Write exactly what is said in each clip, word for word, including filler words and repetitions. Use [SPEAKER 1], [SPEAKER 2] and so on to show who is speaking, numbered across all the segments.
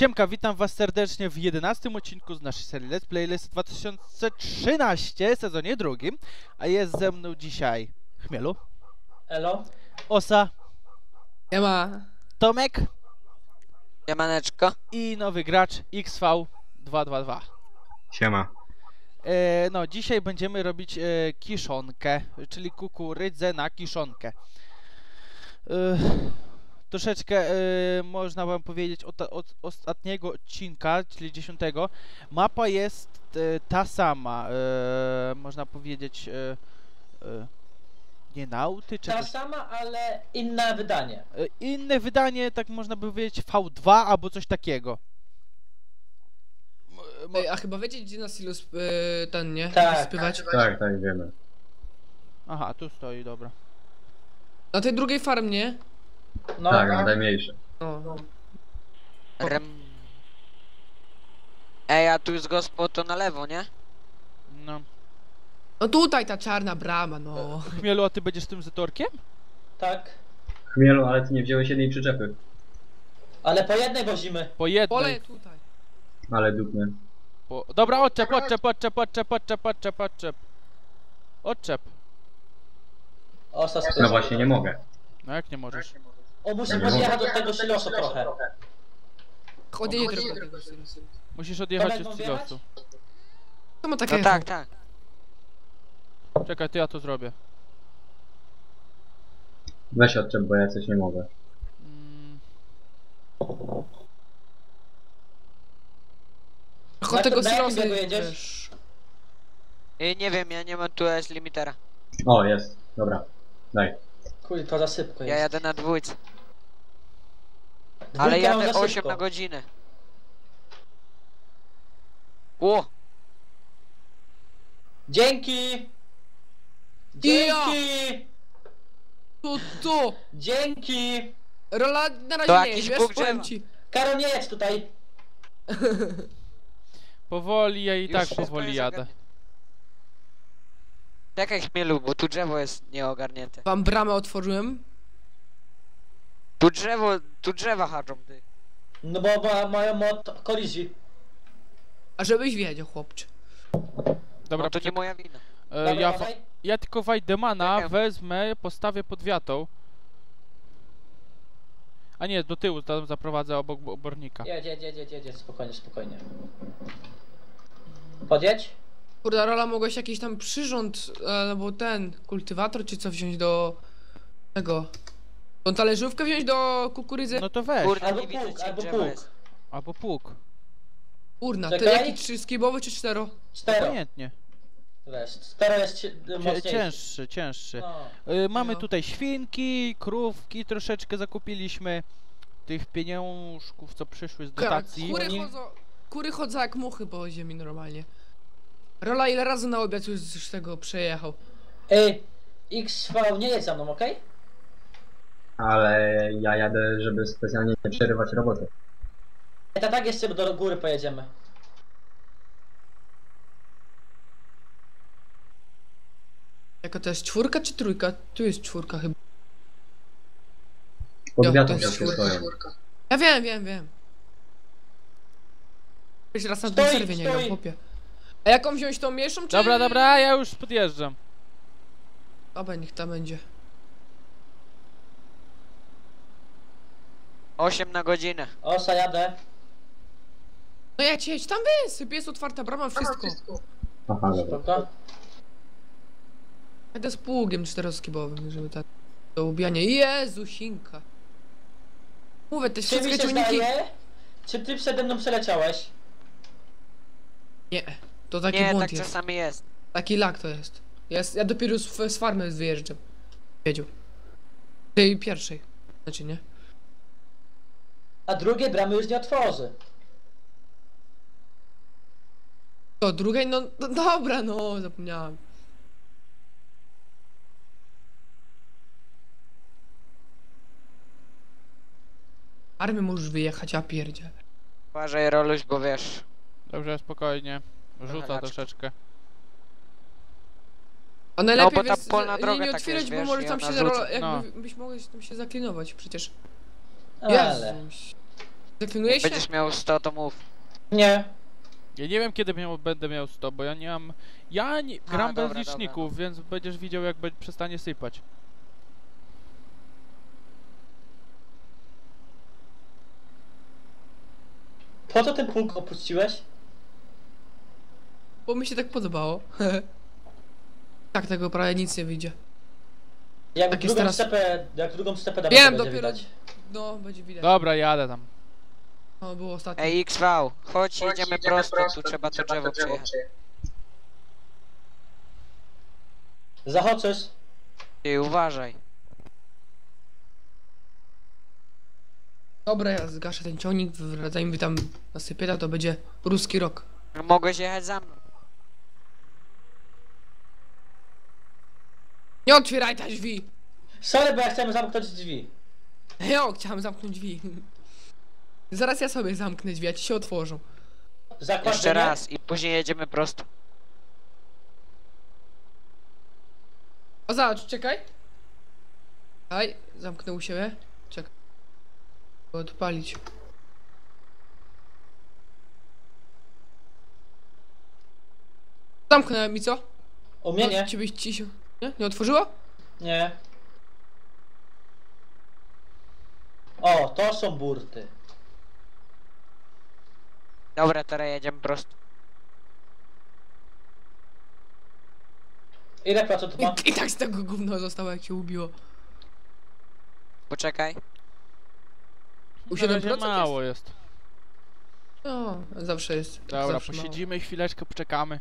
[SPEAKER 1] Siemka, witam was serdecznie w jedenastym odcinku z naszej serii Let's Play List dwa tysiące trzynaście, sezonie drugim. A jest ze mną dzisiaj Chmielu.
[SPEAKER 2] Elo.
[SPEAKER 1] Osa.
[SPEAKER 3] Siema.
[SPEAKER 1] Tomek.
[SPEAKER 4] Siemaneczko.
[SPEAKER 1] I nowy gracz X V dwieście dwadzieścia dwa.
[SPEAKER 5] Siema.
[SPEAKER 1] E, no, dzisiaj będziemy robić e, kiszonkę, czyli kukurydzę na kiszonkę. E, troszeczkę e, można wam powiedzieć od, od ostatniego odcinka, czyli dziesiątego. Mapa jest e, ta sama, e, można powiedzieć e, e, nie nauty, czy
[SPEAKER 2] Ta
[SPEAKER 1] coś.
[SPEAKER 2] sama, ale inne wydanie.
[SPEAKER 1] E, inne wydanie, tak można by powiedzieć V dwa albo coś takiego. M-
[SPEAKER 3] Ej, a chyba wiecie, gdzie na silu sp yy, ten, nie?
[SPEAKER 2] Tak,
[SPEAKER 3] Spywać?
[SPEAKER 5] Tak, tak, wiemy.
[SPEAKER 1] Aha, tu stoi, dobra.
[SPEAKER 3] Na tej drugiej farmie?
[SPEAKER 2] No,
[SPEAKER 5] Tak, na najmniejsze.
[SPEAKER 3] No.
[SPEAKER 4] Rem... Ej, a tu jest gospod to na lewo, nie?
[SPEAKER 1] No.
[SPEAKER 3] No tutaj ta czarna brama, no.
[SPEAKER 1] Chmielu, a ty będziesz tym zatorkiem?
[SPEAKER 2] tak.
[SPEAKER 5] Chmielu, ale ty nie wziąłeś jednej przyczepy.
[SPEAKER 2] Ale po jednej wozimy.
[SPEAKER 1] Po jednej.
[SPEAKER 3] Pole tutaj.
[SPEAKER 5] Ale dupny.
[SPEAKER 1] Po... Dobra, odczep, odczep, odczep, odczep, odczep, odczep, odczep. Odczep.
[SPEAKER 2] O,
[SPEAKER 5] No
[SPEAKER 2] saspy.
[SPEAKER 5] właśnie, nie mogę.
[SPEAKER 1] No jak nie możesz?
[SPEAKER 2] O, musi
[SPEAKER 5] Nie
[SPEAKER 2] podjechać
[SPEAKER 5] mogę.
[SPEAKER 2] do tego silosu trochę.
[SPEAKER 3] Chodzi trochę do tego silosu.
[SPEAKER 1] Musisz odjechać
[SPEAKER 2] Tomek,
[SPEAKER 1] od
[SPEAKER 2] mam
[SPEAKER 1] silosu.
[SPEAKER 3] To ma takie
[SPEAKER 4] No tak, tak.
[SPEAKER 1] Czekaj, to ja to zrobię.
[SPEAKER 5] Weź odczep, bo ja coś nie mogę.
[SPEAKER 1] Mm,
[SPEAKER 3] Chodź
[SPEAKER 2] Na-
[SPEAKER 3] tego
[SPEAKER 2] na jakim
[SPEAKER 3] silosu.
[SPEAKER 2] biegu jedziesz?
[SPEAKER 3] wiesz.
[SPEAKER 4] Ej, nie wiem, ja nie mam tu S limitera.
[SPEAKER 5] O, jest. Dobra. Daj.
[SPEAKER 2] Kuj, to za sypko
[SPEAKER 4] Ja
[SPEAKER 2] jest.
[SPEAKER 4] jadę na dwójce.
[SPEAKER 2] Dwójkę
[SPEAKER 4] Ale
[SPEAKER 2] mam
[SPEAKER 4] jadę
[SPEAKER 2] za
[SPEAKER 4] osiem
[SPEAKER 2] sypko.
[SPEAKER 4] na godzinę. Ło!
[SPEAKER 2] Dzięki! Dzięki!
[SPEAKER 3] Tu, tu!
[SPEAKER 2] Dzięki!
[SPEAKER 3] Rola na razie
[SPEAKER 4] To
[SPEAKER 3] nie
[SPEAKER 4] jakiś
[SPEAKER 3] jest, wiesz,
[SPEAKER 4] bóg
[SPEAKER 3] powiem
[SPEAKER 4] drzewa.
[SPEAKER 3] ci.
[SPEAKER 2] Karol, nie jedź tutaj!
[SPEAKER 1] powoli, ja i
[SPEAKER 4] Już
[SPEAKER 1] tak
[SPEAKER 4] wszystko
[SPEAKER 1] powoli
[SPEAKER 4] jest
[SPEAKER 1] jadę.
[SPEAKER 4] ogarnięte. Czekaj, Chmielu, bo tu drzewo jest nieogarnięte.
[SPEAKER 3] Wam bramę otworzyłem.
[SPEAKER 4] Tu drzewo, tu drzewa haczą, ty.
[SPEAKER 2] No bo ma, mają mod kolizji.
[SPEAKER 3] A żebyś wiedział, chłopcze.
[SPEAKER 1] Dobra,
[SPEAKER 4] No to nie
[SPEAKER 1] poczekaj.
[SPEAKER 4] moja wina.
[SPEAKER 1] E,
[SPEAKER 2] Dobra,
[SPEAKER 1] ja, wa-
[SPEAKER 2] dawaj.
[SPEAKER 1] ja tylko Wajdemana
[SPEAKER 4] Czekam.
[SPEAKER 1] wezmę, postawię pod wiatą. A nie, do tyłu tam zaprowadzę obok bo- obornika.
[SPEAKER 2] Jedź, jedź, jedź, jedź, jedź, spokojnie, spokojnie. Podjedź?
[SPEAKER 3] Kurde, Rola, mogłeś jakiś tam przyrząd, albo ten, kultywator czy co wziąć do tego. Tą talerzówkę wziąć do kukurydzy?
[SPEAKER 1] No to weź.
[SPEAKER 4] Kurde,
[SPEAKER 2] Albo
[SPEAKER 4] nie widzę,
[SPEAKER 2] pług,
[SPEAKER 4] gdzie
[SPEAKER 2] albo
[SPEAKER 4] drzewo
[SPEAKER 2] pług.
[SPEAKER 4] jest.
[SPEAKER 1] Albo pług.
[SPEAKER 3] Kurna, to
[SPEAKER 2] Czekaj.
[SPEAKER 3] jaki trzy skibowy czy cztero?
[SPEAKER 2] Cztero.
[SPEAKER 1] Pamiętnie.
[SPEAKER 2] Wiesz, cztero jest ci-
[SPEAKER 1] Cie-
[SPEAKER 2] mocniejszy.
[SPEAKER 1] cięższy, cięższy.
[SPEAKER 2] No.
[SPEAKER 1] Y, mamy
[SPEAKER 3] No.
[SPEAKER 1] tutaj świnki, krówki troszeczkę zakupiliśmy. Tych pieniążków, co przyszły z dotacji.
[SPEAKER 3] Kury
[SPEAKER 2] Oni-
[SPEAKER 3] chodzą, kury chodzą jak muchy po ziemi normalnie. Rola, ile razy na obiad już z tego przejechał?
[SPEAKER 2] Ej, X V, nie jedź za mną, okej?
[SPEAKER 5] Ale ja jadę, żeby specjalnie nie przerywać roboty.
[SPEAKER 2] Okay? Tak jeszcze do góry pojedziemy.
[SPEAKER 3] Jaka to jest czwórka czy trójka? Tu jest czwórka chyba.
[SPEAKER 5] Pod
[SPEAKER 3] Jo,
[SPEAKER 5] wiatą
[SPEAKER 3] to jest
[SPEAKER 5] wszystkie stoją.
[SPEAKER 3] Ja wiem, wiem, wiem. Jeszcze raz na tym
[SPEAKER 2] Stoi,
[SPEAKER 3] serwie nie
[SPEAKER 2] stoi.
[SPEAKER 3] gram, chłopie. A jaką wziąć tą mniejszą czy...
[SPEAKER 1] Dobra, dobra, ja już podjeżdżam.
[SPEAKER 3] Dobra, niech ta będzie.
[SPEAKER 4] osiem na godzinę.
[SPEAKER 2] Osa, jadę.
[SPEAKER 3] No jedź, jedź, tam wysyp, jest otwarta brama, wszystko.
[SPEAKER 5] Aha, dobra.
[SPEAKER 2] Spoko.
[SPEAKER 3] Jadę z pługiem czteroskibowym, żeby tak... Do ubijania. Jezu, Chinka. Mówię, te
[SPEAKER 2] Czy mi
[SPEAKER 3] wszystkie
[SPEAKER 2] się
[SPEAKER 3] ciągniki...
[SPEAKER 2] zdaje? Czy ty przede mną przeleciałeś?
[SPEAKER 3] Nie, to taki
[SPEAKER 4] Nie,
[SPEAKER 3] błąd
[SPEAKER 4] tak
[SPEAKER 3] jest.
[SPEAKER 4] czasami jest.
[SPEAKER 3] Taki lag to jest. jest ja dopiero z, z farmy wyjeżdżam. Wiedział. Tej pierwszej. Znaczy nie?
[SPEAKER 2] A drugiej bramy już nie otworzy.
[SPEAKER 3] To drugiej, no, no dobra, no zapomniałem. Armię możesz wyjechać, a pierdzie.
[SPEAKER 4] Uważaj, Roluś, bo wiesz.
[SPEAKER 1] Dobrze, spokojnie. Rzuca
[SPEAKER 4] Trochę
[SPEAKER 1] troszeczkę.
[SPEAKER 3] A najlepiej
[SPEAKER 4] bo ta
[SPEAKER 3] jest
[SPEAKER 4] polna
[SPEAKER 3] nie,
[SPEAKER 4] droga
[SPEAKER 3] nie
[SPEAKER 4] tak
[SPEAKER 3] otwierać,
[SPEAKER 4] jest,
[SPEAKER 3] bo
[SPEAKER 4] wiesz,
[SPEAKER 3] może
[SPEAKER 4] i
[SPEAKER 3] tam
[SPEAKER 4] ona
[SPEAKER 3] się
[SPEAKER 4] rzuca.
[SPEAKER 3] zaro...
[SPEAKER 1] No.
[SPEAKER 3] jakby byś mogłeś tam się zaklinować przecież.
[SPEAKER 2] Ale.
[SPEAKER 3] Jezus. Definiuje się?
[SPEAKER 4] Będziesz miał sto, to mów.
[SPEAKER 2] Nie.
[SPEAKER 1] Ja nie wiem kiedy miał, będę miał sto, bo ja nie mam... Ja nie, gram bez
[SPEAKER 4] dobra,
[SPEAKER 1] liczników, więc będziesz widział jak będzie, przestanie sypać.
[SPEAKER 2] Po co ten punkt opuściłeś?
[SPEAKER 3] Bo mi się tak podobało. Tak, tego prawie nic nie wyjdzie.
[SPEAKER 2] Jak
[SPEAKER 3] Tak jest
[SPEAKER 2] drugą
[SPEAKER 3] teraz-
[SPEAKER 2] stepę, jak drugą stepę damy,
[SPEAKER 3] Wiem,
[SPEAKER 2] to będzie
[SPEAKER 3] dopiero...
[SPEAKER 2] widać.
[SPEAKER 3] No, będzie widać.
[SPEAKER 1] Dobra, jadę tam.
[SPEAKER 3] No, było ostatnio.
[SPEAKER 4] Ej, X V, chodź, jedziemy prosto, tu trzeba to drzewo przejechać.
[SPEAKER 2] Zachoczysz?
[SPEAKER 4] Ty, uważaj.
[SPEAKER 3] Dobra, ja zgaszę ten ciągnik, zanim wy tam nasypieta, to będzie ruski rok.
[SPEAKER 4] Mogłeś jechać za mną.
[SPEAKER 3] Nie otwieraj te drzwi!
[SPEAKER 2] Sorry, bo ja chciałem zamknąć drzwi.
[SPEAKER 3] Jo, chciałem zamknąć drzwi. Zaraz ja sobie zamknę drzwi, a ci się otworzą.
[SPEAKER 2] Zakład,
[SPEAKER 4] Jeszcze
[SPEAKER 2] że nie?
[SPEAKER 4] raz i później jedziemy prosto.
[SPEAKER 3] O, zobacz, czekaj. Aj, zamknę u siebie. Czekaj. Odpalić. Zamknąłem i co?
[SPEAKER 2] U mnie nie.
[SPEAKER 3] Ciebie ci się... Nie? Nie otworzyło?
[SPEAKER 2] Nie. O, to są burty.
[SPEAKER 4] Dobra, teraz jedziemy prosto.
[SPEAKER 2] Ile procent ma?
[SPEAKER 3] I, I tak z tego gówno zostało, jak się ubiło.
[SPEAKER 4] Poczekaj.
[SPEAKER 3] U
[SPEAKER 1] Na
[SPEAKER 3] siedem
[SPEAKER 1] razie
[SPEAKER 3] procent
[SPEAKER 1] mało jest.
[SPEAKER 3] jest? No, zawsze jest.
[SPEAKER 1] Dobra,
[SPEAKER 3] zawsze mało.
[SPEAKER 1] posiedzimy chwileczkę, poczekamy.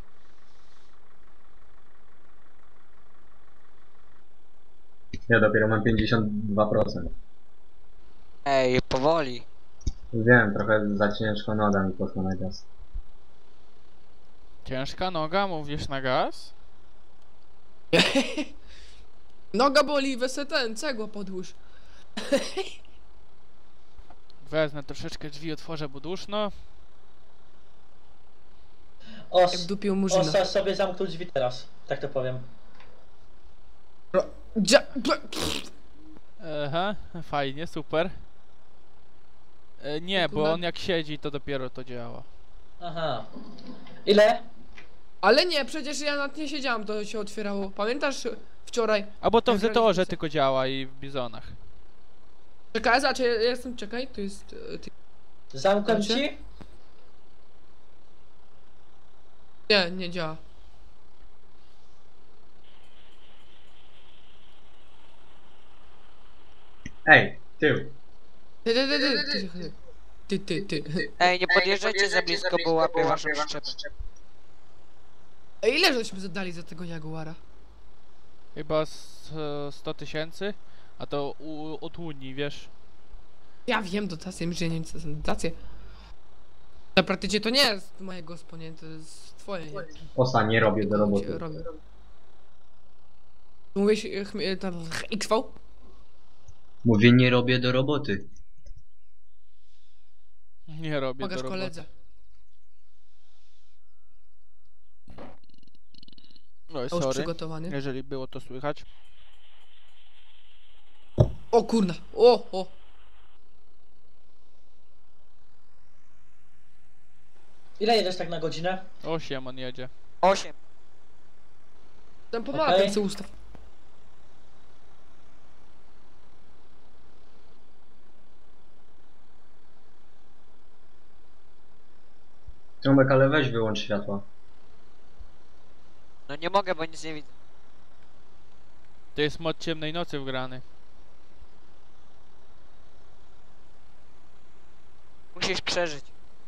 [SPEAKER 5] Ja dopiero mam pięćdziesiąt dwa procent.
[SPEAKER 4] Ej, powoli.
[SPEAKER 5] Wiem, trochę za ciężko noga mi poszła na gaz.
[SPEAKER 1] Ciężka noga, mówisz na gaz?
[SPEAKER 3] Noga boli, weź ten, cegła podłóż.
[SPEAKER 1] Wezmę troszeczkę drzwi, otworzę, bo duszno.
[SPEAKER 2] Os,
[SPEAKER 3] Jak dupił murzyna.
[SPEAKER 2] Osa sobie zamknął drzwi teraz, tak to powiem.
[SPEAKER 3] Ro- dzia- ble-
[SPEAKER 1] Aha, fajnie, super. E, nie, bo
[SPEAKER 3] Kurwa.
[SPEAKER 1] on jak siedzi, to dopiero to działa.
[SPEAKER 2] Aha. Ile?
[SPEAKER 3] Ale nie, przecież ja nad nie siedziałam, to się otwierało. Pamiętasz wczoraj?
[SPEAKER 1] A bo to w
[SPEAKER 3] Jak
[SPEAKER 1] Zetorze
[SPEAKER 3] rodzice.
[SPEAKER 1] tylko działa i w Bizonach.
[SPEAKER 3] Czekaj, znaczy ja jestem, czekaj, tu jest... e, Ty...
[SPEAKER 2] Zamknąłem
[SPEAKER 3] Znaczy?
[SPEAKER 2] ci?
[SPEAKER 3] Nie, nie działa.
[SPEAKER 5] Ej, tył.
[SPEAKER 3] Ty, ty, ty, ty, ty, ty, ty, ty.
[SPEAKER 4] Ej, nie podjeżdżajcie za blisko, bo łapię waszą przyczepę.
[SPEAKER 3] A ile żeśmy zadali za tego Jaguara?
[SPEAKER 1] Chyba z, e, sto tysięcy, a to u, od Unii, wiesz.
[SPEAKER 3] Ja wiem, dotacje, myślę, że nie wiem, co to są dotacje. Na praktycznie to nie jest mojego sponie, to jest twoje, nie?
[SPEAKER 5] Osa, nie robię do
[SPEAKER 3] Się
[SPEAKER 5] roboty.
[SPEAKER 3] robi. Mówisz, e, chmie- tam, X V?
[SPEAKER 5] Mówię, nie robię do roboty.
[SPEAKER 1] Nie robię
[SPEAKER 3] Pokaż
[SPEAKER 1] do roboty.
[SPEAKER 3] koledze.
[SPEAKER 1] Oj,
[SPEAKER 3] A już
[SPEAKER 1] sorry,
[SPEAKER 3] przygotowany.
[SPEAKER 1] jeżeli było to słychać.
[SPEAKER 3] O kurna, o, o.
[SPEAKER 2] Ile jedziesz tak na godzinę?
[SPEAKER 1] Osiem on jedzie.
[SPEAKER 4] Osiem.
[SPEAKER 3] Ten pomala
[SPEAKER 2] Okej.
[SPEAKER 3] ten co ustaw.
[SPEAKER 5] Trąbek, ale weź wyłącz światła.
[SPEAKER 4] No nie mogę, bo nic nie widzę.
[SPEAKER 1] To jest mod ciemnej nocy wgrany.
[SPEAKER 4] Musisz przeżyć.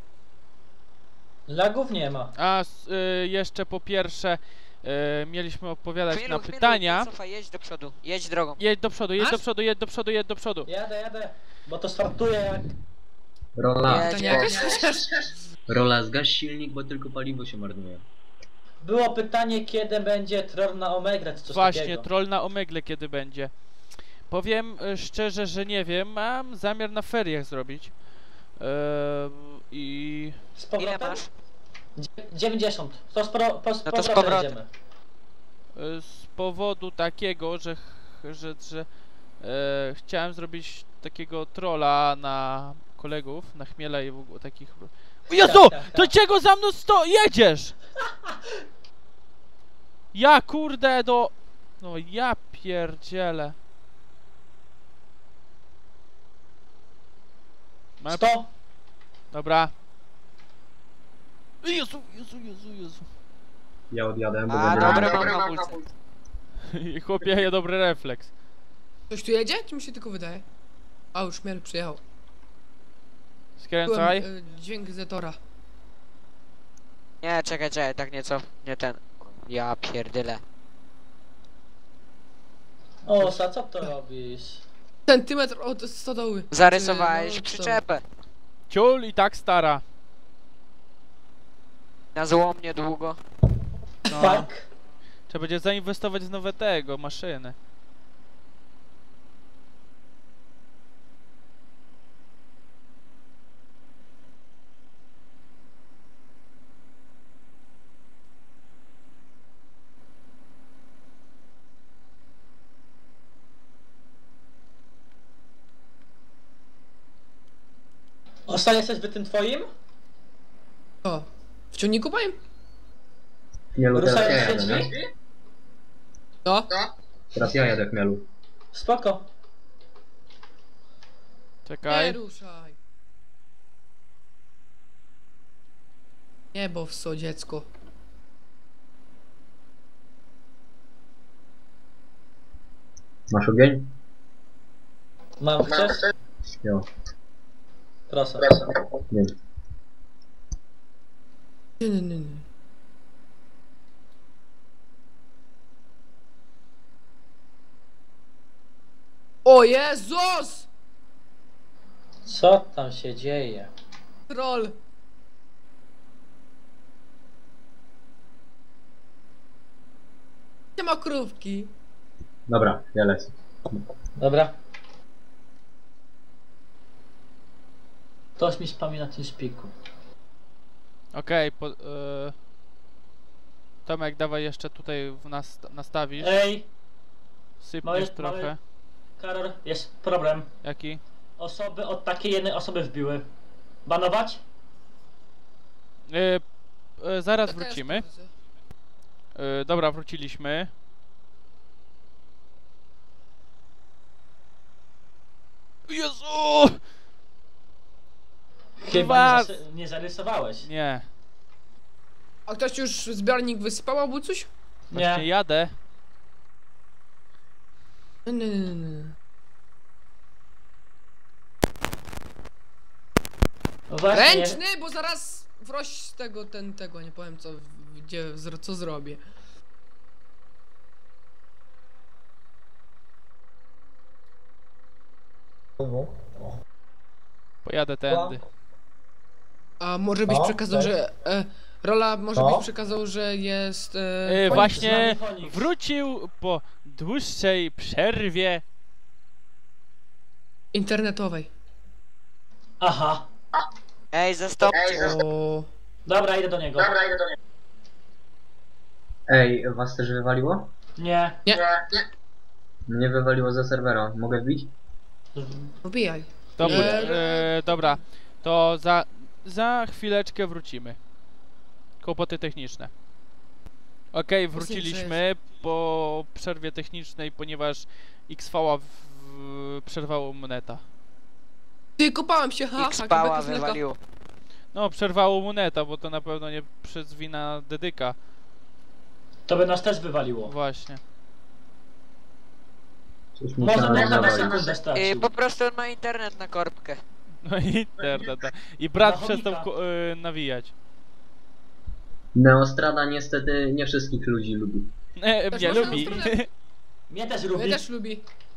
[SPEAKER 2] Lagów nie ma.
[SPEAKER 1] A s- y, jeszcze po pierwsze y, mieliśmy odpowiadać
[SPEAKER 4] Chwilu,
[SPEAKER 1] na
[SPEAKER 4] chwilu,
[SPEAKER 1] pytania.
[SPEAKER 4] Cofaj, jedź do przodu. Jedź drogą.
[SPEAKER 1] Jedź do przodu, jedź
[SPEAKER 3] Masz?
[SPEAKER 1] do przodu, jedź do przodu, jedź do przodu.
[SPEAKER 2] Jadę, jadę. Bo to startuje jak...
[SPEAKER 5] Rola,
[SPEAKER 4] Jedź,
[SPEAKER 3] Pytania
[SPEAKER 4] jedź.
[SPEAKER 3] jakieś chociaż?
[SPEAKER 5] Rola, zgaś silnik, bo tylko paliwo się marnuje.
[SPEAKER 2] Było pytanie, kiedy będzie Tron na Omegle, czy coś
[SPEAKER 1] Właśnie,
[SPEAKER 2] takiego.
[SPEAKER 1] troll na Omegle kiedy będzie. Powiem y, szczerze, że nie wiem, mam zamiar na feriach zrobić. Yy, I
[SPEAKER 2] Z
[SPEAKER 4] Ile
[SPEAKER 2] powrotem?
[SPEAKER 4] masz?
[SPEAKER 2] Dzie- dziewięćdziesiąt. To z, pro, po, z
[SPEAKER 4] No to z
[SPEAKER 2] powrotem
[SPEAKER 4] powrotem.
[SPEAKER 2] jedziemy.
[SPEAKER 1] y, z powodu takiego, że, ch- że, że e, chciałem zrobić takiego trolla na kolegów na chmiela i w ogóle takich... O Jezu! To czego za mną sto... jedziesz? Ja kurde do... No ja pierdzielę. Ma-
[SPEAKER 2] sto!
[SPEAKER 1] Dobra. Jezu, Jezu, Jezu, Jezu.
[SPEAKER 5] Ja odjadę, bo
[SPEAKER 4] A,
[SPEAKER 5] będę...
[SPEAKER 4] dobre mam hamulce.
[SPEAKER 1] I chłopie, ja dobry refleks.
[SPEAKER 3] Ktoś tu jedzie? Czy mi się tylko wydaje? A, już Chmiel przyjechał.
[SPEAKER 1] Skręcaj.
[SPEAKER 3] Byłem, y, dźwięk Zetora.
[SPEAKER 4] Nie, czekaj, czekaj, tak nieco, nie ten. Ja pierdyle.
[SPEAKER 2] O, Sa, co to robisz?
[SPEAKER 3] Centymetr od stodoły.
[SPEAKER 4] Zarysowałeś
[SPEAKER 3] Czy- no,
[SPEAKER 4] przyczepę.
[SPEAKER 1] Ciul i tak stara.
[SPEAKER 4] Na złomnie długo.
[SPEAKER 1] No.
[SPEAKER 2] Fuck.
[SPEAKER 1] Trzeba będzie zainwestować w nowe tego, maszyny.
[SPEAKER 2] O, Sa, jesteś wy tym twoim?
[SPEAKER 3] O, w ciągniku powiem?
[SPEAKER 5] Chmielu, teraz ja
[SPEAKER 2] Ruszają się
[SPEAKER 5] jadę, nie?
[SPEAKER 2] drzwi?
[SPEAKER 3] No.
[SPEAKER 5] Teraz ja jadę, Chmielu.
[SPEAKER 2] Spoko.
[SPEAKER 3] Nie
[SPEAKER 1] Czekaj.
[SPEAKER 3] ruszaj. Nie, bo w co, dziecko.
[SPEAKER 5] Masz ogień?
[SPEAKER 2] Mam, chcesz?
[SPEAKER 5] Jo,
[SPEAKER 2] Proszę.
[SPEAKER 5] nie.
[SPEAKER 3] Nie, nie, nie, nie. O Jezus!
[SPEAKER 2] Co tam się dzieje?
[SPEAKER 3] Troll. Nie ma krówki.
[SPEAKER 5] Dobra, ja lecę.
[SPEAKER 2] Dobra. Ktoś mi spami na tym szpiku.
[SPEAKER 1] Okej, po... y, Tomek, dawaj jeszcze tutaj w nas nastawisz.
[SPEAKER 2] Ej,
[SPEAKER 1] Sypniesz
[SPEAKER 2] mały-
[SPEAKER 1] trochę.
[SPEAKER 2] mały- Karol, jest problem.
[SPEAKER 1] Jaki?
[SPEAKER 2] Osoby od takiej jednej osoby wbiły. Banować?
[SPEAKER 1] Y, y, zaraz
[SPEAKER 3] Taka
[SPEAKER 1] wrócimy.
[SPEAKER 3] jest pozycja.
[SPEAKER 1] Y, dobra, wróciliśmy. Jezu!
[SPEAKER 2] Chyba nie,
[SPEAKER 1] Was-
[SPEAKER 2] zasy- nie zarysowałeś.
[SPEAKER 1] Nie,
[SPEAKER 3] A ktoś już zbiornik wysypał albo coś?
[SPEAKER 1] właśnie
[SPEAKER 2] Nie.
[SPEAKER 1] jadę.
[SPEAKER 3] Nie, nie, nie, nie.
[SPEAKER 2] No właśnie.
[SPEAKER 3] Ręczny, bo zaraz wroś z tego, ten, tego, nie powiem co, gdzie, zro- co zrobię.
[SPEAKER 1] Pojadę tędy.
[SPEAKER 3] A może byś
[SPEAKER 2] No,
[SPEAKER 3] przekazał,
[SPEAKER 2] tak.
[SPEAKER 3] że... E, Rola, może
[SPEAKER 2] No.
[SPEAKER 3] byś przekazał, że jest... E,
[SPEAKER 1] Y,
[SPEAKER 2] Phoenix,
[SPEAKER 1] właśnie
[SPEAKER 2] z nami Phoenix.
[SPEAKER 1] wrócił po dłuższej przerwie.
[SPEAKER 3] internetowej.
[SPEAKER 2] Aha.
[SPEAKER 4] Ej, zastąpcie.
[SPEAKER 3] O...
[SPEAKER 2] Dobra, idę do niego.
[SPEAKER 5] Ej, was też wywaliło?
[SPEAKER 2] Nie.
[SPEAKER 5] Mnie wywaliło ze serwera. Mogę wbić?
[SPEAKER 3] Wbijaj.
[SPEAKER 1] Dobra,
[SPEAKER 3] Nie.
[SPEAKER 1] y, dobra. To za, za chwileczkę wrócimy. Kłopoty techniczne. Okej, wróciliśmy po przerwie technicznej, ponieważ X V w, przerwało mu neta.
[SPEAKER 3] Ty, kopałem się, ha,
[SPEAKER 4] X
[SPEAKER 3] ha,
[SPEAKER 4] pała
[SPEAKER 3] beka z mleka.
[SPEAKER 4] wywaliło.
[SPEAKER 1] No, przerwało mu neta, bo to na pewno nie przez wina dedyka.
[SPEAKER 2] To by nas też wywaliło.
[SPEAKER 1] Właśnie.
[SPEAKER 5] Coś
[SPEAKER 2] Może
[SPEAKER 5] musiałem
[SPEAKER 2] można na
[SPEAKER 5] nawalić.
[SPEAKER 2] sekundę
[SPEAKER 4] I
[SPEAKER 2] stracił.
[SPEAKER 4] po prostu on ma internet na korbkę.
[SPEAKER 1] No i interneta. I brat
[SPEAKER 2] Na
[SPEAKER 1] przestał
[SPEAKER 2] chomika.
[SPEAKER 1] ko- y, nawijać.
[SPEAKER 5] Neostrada niestety nie wszystkich ludzi lubi.
[SPEAKER 1] E,
[SPEAKER 3] Też
[SPEAKER 1] mnie
[SPEAKER 3] można
[SPEAKER 1] lubi.
[SPEAKER 3] na stronę.
[SPEAKER 2] Mnie też
[SPEAKER 3] Mnie
[SPEAKER 2] lubi.
[SPEAKER 3] też lubi.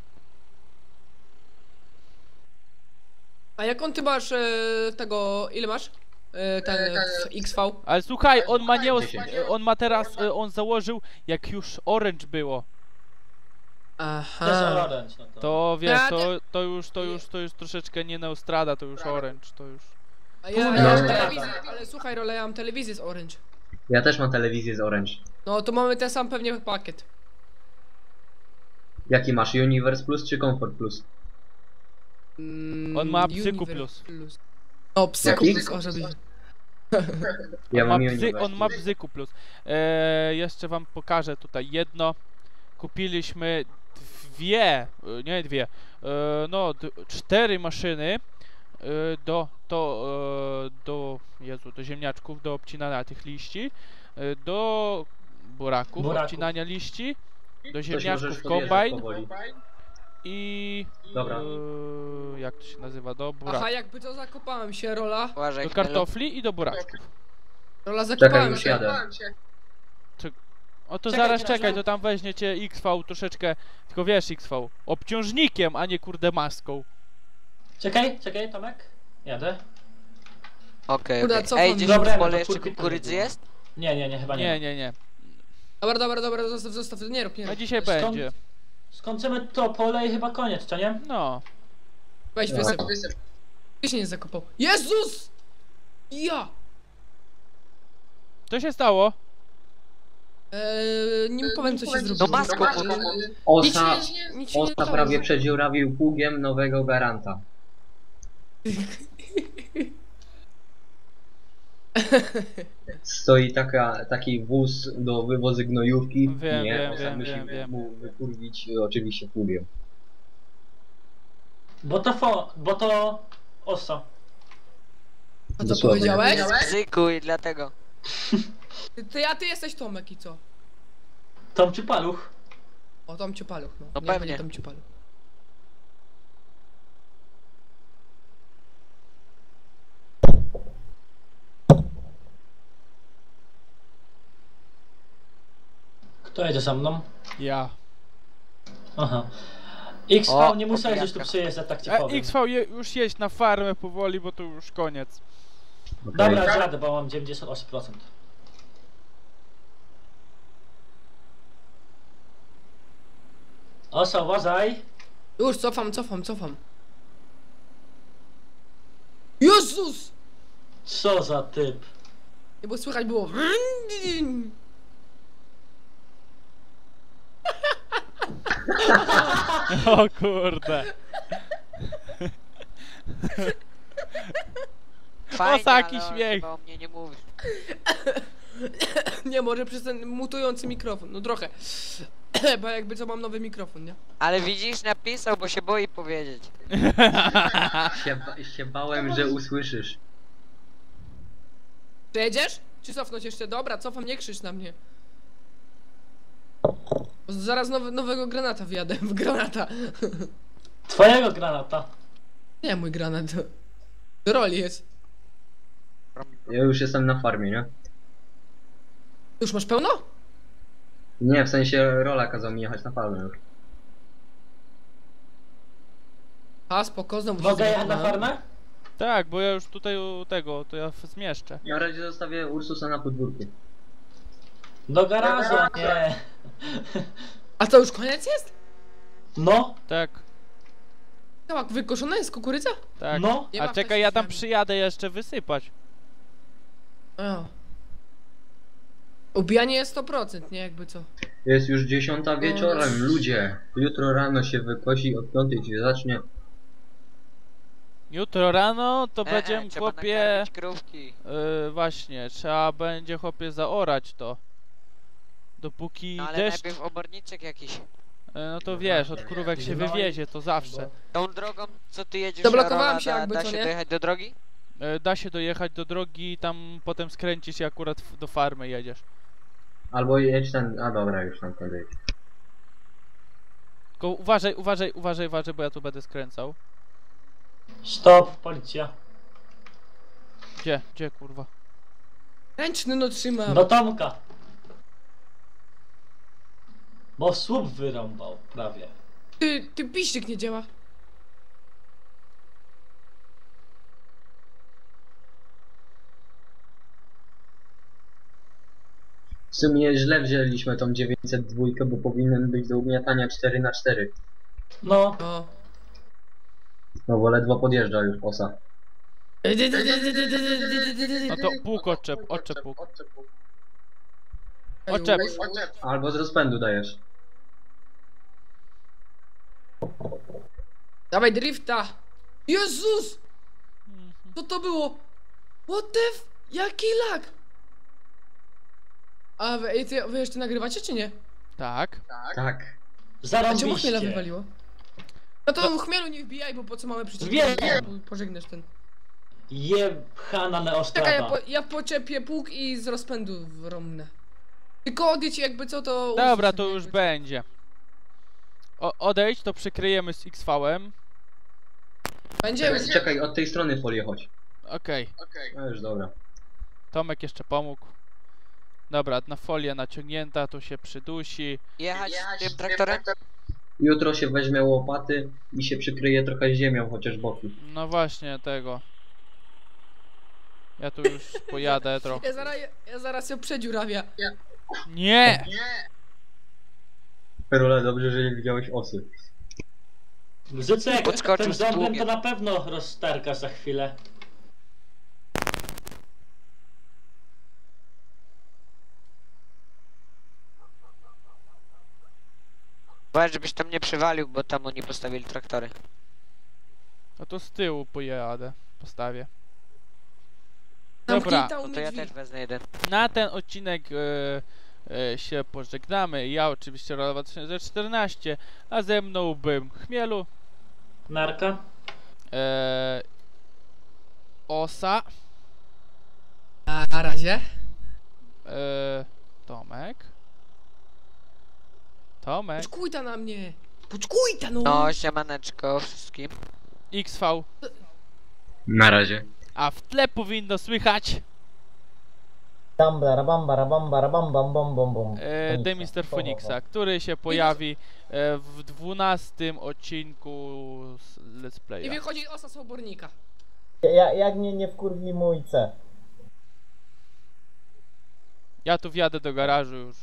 [SPEAKER 3] A jak on ty masz e, tego, ile masz? E, ten e, X V?
[SPEAKER 1] Ale słuchaj, on ma nie...
[SPEAKER 5] dziesięć.
[SPEAKER 1] On ma teraz... y, On założył, jak już Orange było.
[SPEAKER 2] Też
[SPEAKER 3] Aha.
[SPEAKER 2] orange, no to.
[SPEAKER 1] To wiesz,
[SPEAKER 3] Ja
[SPEAKER 1] to, to już, to już, to już troszeczkę nie Neostrada, to już Orange, to już...
[SPEAKER 3] A ja,
[SPEAKER 2] Kurde,
[SPEAKER 3] ja mam
[SPEAKER 5] no.
[SPEAKER 3] telewizję, ale słuchaj Role, ja mam telewizję z Orange.
[SPEAKER 5] Ja też mam telewizję z Orange.
[SPEAKER 3] No to mamy ten sam pewnie pakiet.
[SPEAKER 5] Jaki masz? Universe Plus czy Comfort Plus?
[SPEAKER 3] Mm,
[SPEAKER 1] On ma Psyku
[SPEAKER 3] Univer
[SPEAKER 1] Plus.
[SPEAKER 3] O, Psyku
[SPEAKER 5] Jaki?
[SPEAKER 3] Plus, o żeby...
[SPEAKER 5] Ja
[SPEAKER 1] on, ma
[SPEAKER 5] mam
[SPEAKER 1] bzy,
[SPEAKER 5] Universe.
[SPEAKER 1] on ma Bzyku Plus. E, jeszcze wam pokażę tutaj jedno. Kupiliśmy dwie, e, nie dwie, e, no d- cztery maszyny e, do, to, e, do, Jezu, do ziemniaczków, do obcinania tych liści, e, do buraków,
[SPEAKER 2] Buraków.
[SPEAKER 1] obcinania liści, do
[SPEAKER 5] Coś możesz
[SPEAKER 1] ziemniaczków
[SPEAKER 5] podjeżdżać
[SPEAKER 1] kombajn
[SPEAKER 5] powoli.
[SPEAKER 1] i
[SPEAKER 5] Dobra.
[SPEAKER 1] e, jak to się nazywa, do
[SPEAKER 3] Aha,
[SPEAKER 1] buraków,
[SPEAKER 3] jakby to zakopałem się, Rola.
[SPEAKER 4] Uważaj,
[SPEAKER 1] do
[SPEAKER 4] Chmielu.
[SPEAKER 1] kartofli i do buraczków.
[SPEAKER 3] Rola,
[SPEAKER 5] Czekaj,
[SPEAKER 3] zakopałem
[SPEAKER 5] już
[SPEAKER 3] się.
[SPEAKER 5] jadę.
[SPEAKER 1] O to
[SPEAKER 2] Czekaj,
[SPEAKER 1] zaraz
[SPEAKER 2] teraz
[SPEAKER 1] czekaj,
[SPEAKER 2] ja-
[SPEAKER 1] to tam weźmiecie X V troszeczkę, tylko wiesz X V, obciążnikiem, a nie kurde maską.
[SPEAKER 2] Czekaj, czekaj, Tomek. Jadę.
[SPEAKER 4] Okej,
[SPEAKER 3] Kurde,
[SPEAKER 4] okej.
[SPEAKER 3] cofam.
[SPEAKER 4] Ej, gdzieś
[SPEAKER 2] Dobra,
[SPEAKER 4] w
[SPEAKER 2] no
[SPEAKER 4] pole
[SPEAKER 2] to
[SPEAKER 4] jeszcze
[SPEAKER 2] kurki to
[SPEAKER 4] kukurydzy
[SPEAKER 2] nie
[SPEAKER 4] jest?
[SPEAKER 2] Nie, nie, nie, chyba nie.
[SPEAKER 1] Nie,
[SPEAKER 2] ma.
[SPEAKER 1] nie, nie.
[SPEAKER 3] Dobra, dobra, dobra, zostaw, zostaw, nie rób, nie
[SPEAKER 1] A
[SPEAKER 3] rób.
[SPEAKER 1] dzisiaj
[SPEAKER 2] Skąd-
[SPEAKER 1] będzie.
[SPEAKER 2] Skończymy to pole i chyba koniec, co nie?
[SPEAKER 1] No.
[SPEAKER 3] Weź
[SPEAKER 5] No.
[SPEAKER 3] wysyp. Ty się nie zakopał. Jezus! Ja!
[SPEAKER 1] Co się stało?
[SPEAKER 3] Eee, nie powiem co się zrobiło.
[SPEAKER 4] No maską, bo to...
[SPEAKER 3] Nic się
[SPEAKER 5] Osa,
[SPEAKER 3] nie, nic się nie
[SPEAKER 5] Osa
[SPEAKER 3] stało.
[SPEAKER 5] prawie przedziurawił pługiem nowego garanta. Stoi taka, taki wóz do wywozu gnojówki.
[SPEAKER 1] Wiem,
[SPEAKER 5] nie,
[SPEAKER 1] wiem,
[SPEAKER 5] Osa
[SPEAKER 1] wiem,
[SPEAKER 5] musi
[SPEAKER 1] wiem, wiem.
[SPEAKER 5] mu wykurwić y, oczywiście pługiem.
[SPEAKER 2] Bo to fo, bo to osa.
[SPEAKER 3] A co
[SPEAKER 5] Dosłownie.
[SPEAKER 3] powiedziałeś?
[SPEAKER 4] Bzyku i dlatego.
[SPEAKER 3] Ty, ty, a ty jesteś Tomek i co?
[SPEAKER 2] Tom czy paluch?
[SPEAKER 3] O, Tom Ciupaluch, no.
[SPEAKER 4] No
[SPEAKER 3] Nie,
[SPEAKER 4] pewnie.
[SPEAKER 3] nie Tom Ciupaluch.
[SPEAKER 2] Kto jedzie za mną?
[SPEAKER 1] Ja.
[SPEAKER 2] Aha. X V
[SPEAKER 4] O,
[SPEAKER 2] nie musiałeś już tu
[SPEAKER 4] opijaka.
[SPEAKER 2] przyjeżdżać, tak ci
[SPEAKER 1] A
[SPEAKER 2] powiem.
[SPEAKER 1] X V je, już jeść na farmę powoli, bo to już koniec.
[SPEAKER 5] Okej.
[SPEAKER 2] Dobra, zjadę, bo mam dziewięćdziesiąt osiem procent. Osa, uważaj.
[SPEAKER 3] Już, cofam, cofam, cofam. Jezus!
[SPEAKER 2] Co za typ.
[SPEAKER 3] Nie, bo słychać było...
[SPEAKER 1] O kurde.
[SPEAKER 4] Fajnie,
[SPEAKER 1] taki
[SPEAKER 4] ale
[SPEAKER 1] śmiech.
[SPEAKER 4] chyba o mnie nie mówisz.
[SPEAKER 3] Nie, może przez ten mutujący mikrofon, no trochę. Bo jakby co mam nowy mikrofon, nie?
[SPEAKER 4] Ale widzisz, napisał, bo się boi powiedzieć.
[SPEAKER 5] Się, ba- się bałem, że usłyszysz.
[SPEAKER 3] Przejedziesz? Czy cofnąć jeszcze? Dobra, cofam, nie krzycz na mnie. Bo zaraz nowy, nowego granata wjadę, w granata.
[SPEAKER 2] Twojego granata.
[SPEAKER 3] Nie, mój granat. Do roli jest.
[SPEAKER 5] Ja już jestem na farmie, nie?
[SPEAKER 3] Już masz pełno?
[SPEAKER 5] Nie, w sensie Rola kazał mi jechać na farmę już.
[SPEAKER 3] A, spoko, znowu się
[SPEAKER 2] Mogę jechać na
[SPEAKER 3] zgubiłem.
[SPEAKER 2] farmę?
[SPEAKER 1] Tak, bo ja już tutaj u tego, to ja zmieszczę.
[SPEAKER 5] Na razie zostawię Ursusa na podwórku.
[SPEAKER 2] Do garażu, a nie.
[SPEAKER 3] A to już koniec jest?
[SPEAKER 2] No,
[SPEAKER 1] Tak,
[SPEAKER 3] Tak, wykoszona jest kukurydza?
[SPEAKER 1] tak.
[SPEAKER 2] no.
[SPEAKER 3] Nie ma
[SPEAKER 1] A czekaj, ja tam
[SPEAKER 3] wcześniej.
[SPEAKER 1] przyjadę jeszcze wysypać.
[SPEAKER 3] O. Ubijanie jest sto procent, nie jakby co.
[SPEAKER 5] Jest już dziesiąta wieczorem, ludzie. Jutro rano się wykosi, od piątej się zacznie.
[SPEAKER 1] Jutro rano to
[SPEAKER 4] E,
[SPEAKER 1] będziemy
[SPEAKER 4] e, trzeba
[SPEAKER 1] chłopie...
[SPEAKER 4] nakarmić krówki.
[SPEAKER 1] Yy, właśnie, trzeba będzie chłopie zaorać to. Dopóki
[SPEAKER 4] No ale
[SPEAKER 1] deszcz...
[SPEAKER 4] najpierw oborniczek jakiś.
[SPEAKER 1] Yy, no to wiesz, od krówek się
[SPEAKER 2] No i-
[SPEAKER 1] wywiezie, to zawsze.
[SPEAKER 4] Tą drogą, co ty jedziesz,
[SPEAKER 3] Zablokowałem
[SPEAKER 4] Arola,
[SPEAKER 3] się
[SPEAKER 4] da,
[SPEAKER 3] jakby,
[SPEAKER 4] da
[SPEAKER 3] co
[SPEAKER 4] się
[SPEAKER 3] nie?
[SPEAKER 4] dojechać do drogi?
[SPEAKER 1] Yy, da się dojechać do drogi i tam potem skręcisz i akurat w- do farmy jedziesz.
[SPEAKER 5] Albo jedź ten... A dobra, już tam kończę.
[SPEAKER 1] Tylko uważaj, uważaj, uważaj, uważaj, bo ja tu będę skręcał.
[SPEAKER 2] Stop, policja.
[SPEAKER 1] Gdzie, gdzie kurwa?
[SPEAKER 3] Ręczny no trzymam.
[SPEAKER 2] Do Tomka. Bo słup wyrąbał, prawie.
[SPEAKER 3] Ty, ty piszczyk nie działa.
[SPEAKER 5] W sumie źle wzięliśmy tą dziewięćset dwa, bo powinien być do ugniatania cztery na cztery.
[SPEAKER 2] No,
[SPEAKER 3] O.
[SPEAKER 5] No bo ledwo podjeżdża już Osa.
[SPEAKER 1] No to pług odczep, odczep pług. Odczep.
[SPEAKER 5] Albo z rozpędu dajesz.
[SPEAKER 3] Dawaj drifta. Jezus! Co to było? What the f... Jaki lag? A wy, ej, ty, wy jeszcze nagrywacie, czy nie?
[SPEAKER 1] Tak.
[SPEAKER 5] Tak.
[SPEAKER 3] A czemu chmiela
[SPEAKER 2] Zarąbiście.
[SPEAKER 3] wywaliło? No to chmielu nie wbijaj, bo po co mamy przycisk?
[SPEAKER 2] Wiem.
[SPEAKER 3] Pożegnasz ten.
[SPEAKER 2] Jebchana
[SPEAKER 3] Czekaj, ja,
[SPEAKER 2] neostrawa.
[SPEAKER 3] po, ja poczepię pług i z rozpędu wromnę. Tylko odjedź jakby co to...
[SPEAKER 1] Dobra,
[SPEAKER 3] usłyszę,
[SPEAKER 1] to
[SPEAKER 3] jakby
[SPEAKER 1] już
[SPEAKER 3] co.
[SPEAKER 1] będzie. O, odejdź, to przykryjemy z X V-em.
[SPEAKER 3] Będzie?
[SPEAKER 5] Czekaj, czekaj, od tej strony folię chodź.
[SPEAKER 1] Okej.
[SPEAKER 5] No już dobra.
[SPEAKER 1] Tomek jeszcze pomógł. Dobra, na folię naciągnięta, to się przydusi.
[SPEAKER 4] Jechać tym traktorem?
[SPEAKER 5] Jutro się weźmie łopaty i się przykryje trochę ziemią, chociaż boki.
[SPEAKER 1] No właśnie, tego. Ja tu już pojadę trochę.
[SPEAKER 3] Ja zaraz, ja zaraz ją przedziurawia.
[SPEAKER 1] Nie!
[SPEAKER 5] Perole, dobrze, że nie widziałeś osy.
[SPEAKER 2] Zycek,
[SPEAKER 4] Podskoczył
[SPEAKER 2] ten
[SPEAKER 4] z
[SPEAKER 2] zombiem
[SPEAKER 4] pługiem.
[SPEAKER 2] to na pewno roztarka za chwilę.
[SPEAKER 4] Uważaj, żebyś tam nie przywalił, bo tam oni postawili traktory.
[SPEAKER 1] No to z tyłu pojadę. Postawię.
[SPEAKER 3] Zamknij
[SPEAKER 1] Dobra,
[SPEAKER 3] tam
[SPEAKER 4] No to ja
[SPEAKER 3] drzwi.
[SPEAKER 4] też wezmę jeden.
[SPEAKER 1] na ten odcinek e, e, się pożegnamy. Ja oczywiście Rola dwa tysiące czternaście, a ze mną bym Chmielu,
[SPEAKER 2] Narka.
[SPEAKER 1] e, Osa,
[SPEAKER 3] A na razie.
[SPEAKER 1] e, Tomek. Tomek.
[SPEAKER 3] Poczkujta na mnie. Poczkujta no.
[SPEAKER 4] No, siemaneczko wszystkim.
[SPEAKER 1] X V.
[SPEAKER 5] Na razie.
[SPEAKER 1] A w tle powinno słychać
[SPEAKER 6] Tam bam bam bam bam bam bam bam bam.
[SPEAKER 1] e, The mister Phoenixa, który się pojawi e, w dwunastym odcinku z Let's
[SPEAKER 3] I
[SPEAKER 1] Playa.
[SPEAKER 3] wychodzi osa z obornika.
[SPEAKER 6] Ja, jak mnie nie wkurwi mój C.
[SPEAKER 1] Ja tu wjadę do garażu już.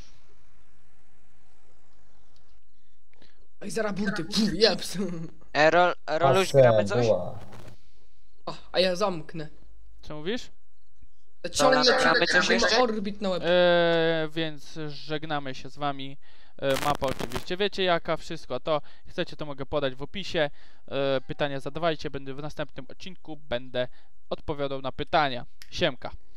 [SPEAKER 3] Oj, zaraz burty. Puf, jeps.
[SPEAKER 4] E, Rol, Roluś, gramy coś?
[SPEAKER 6] była.
[SPEAKER 3] O, a ja zamknę.
[SPEAKER 1] Co mówisz?
[SPEAKER 3] Ciągnę
[SPEAKER 4] Dobra, gramy coś
[SPEAKER 3] cię
[SPEAKER 4] jeszcze?
[SPEAKER 3] orbit na łeb.
[SPEAKER 1] E, więc żegnamy się z wami. E, mapa oczywiście wiecie jaka, wszystko to. Chcecie to mogę podać w opisie. E, pytania zadawajcie, będę w następnym odcinku będę odpowiadał na pytania. Siemka.